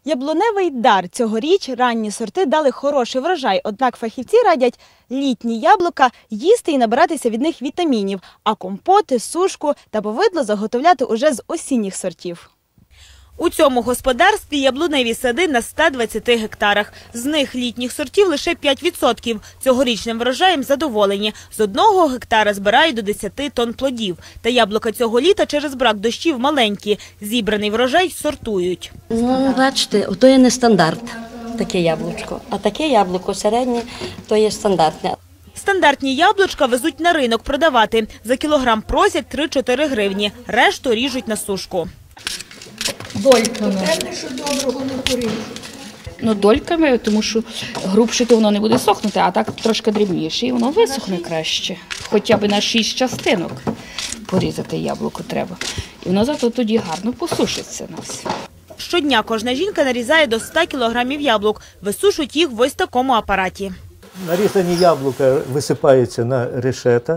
Яблуневий дар. Цьогоріч ранні сорти дали хороший врожай, однак фахівці радять літні яблука їсти і набиратися від них вітамінів, а компоти, сушку та повидло заготовляти уже з осінніх сортів. У цьому господарстві яблуневі сади на 120 гектарах. З них літніх сортів лише 5%. Цьогорічним врожаєм задоволені. З 1 гектара збирають до 10 тонн плодів. Та яблука цього літа через брак дощів маленькі. Зібраний врожай сортують. Ну, бачите, то є не стандарт, таке яблучко. А таке яблуко середнє, то є стандартне. Стандартні яблучка везуть на ринок продавати. За кілограм просять 3-4 гривні. Решту ріжуть на сушку. Дольками. Ну, дольками, тому що грубше то воно не буде сохнути, а так трошки дрібніше, і воно висохне краще. Хоча б на 6 частинок порізати яблуко треба. І воно зато тоді гарно посушиться на все. Щодня кожна жінка нарізає до 100 кілограмів яблук. Висушують їх в ось такому апараті. Нарізані яблука висипаються на решета.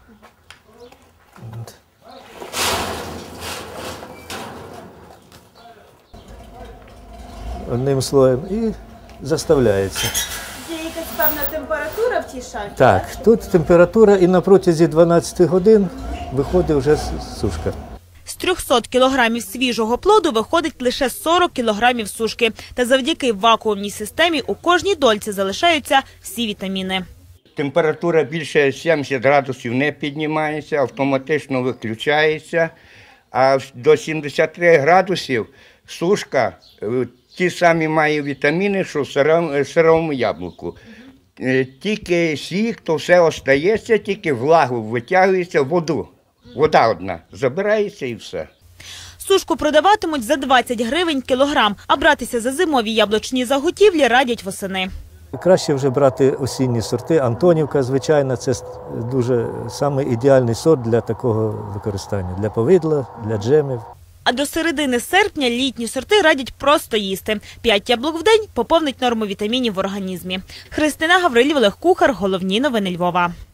Одним слоєм і заставляється. Є якась певна температура в тій шафі? Так, тут температура і на протязі 12 годин виходить вже сушка. З 300 кілограмів свіжого плоду виходить лише 40 кілограмів сушки. Та завдяки вакуумній системі у кожній дольці залишаються всі вітаміни. Температура більше 70 градусів не піднімається, автоматично виключається, а до 73 градусів сушка ті самі має вітаміни, що в сирому яблуку. Тільки сік, то все остається, тільки влагу витягується, воду. Вода одна забирається і все. Сушку продаватимуть за 20 гривень кілограм, а братися за зимові яблучні заготівлі радять восени. Краще вже брати осінні сорти. Антонівка, звичайно, це дуже саме ідеальний сорт для такого використання, для повидла, для джемів. А до середини серпня літні сорти радять просто їсти. 5 яблук в день поповнить норму вітамінів в організмі. Христина Гаврилів, Олег Кухар. Головні новини Львова.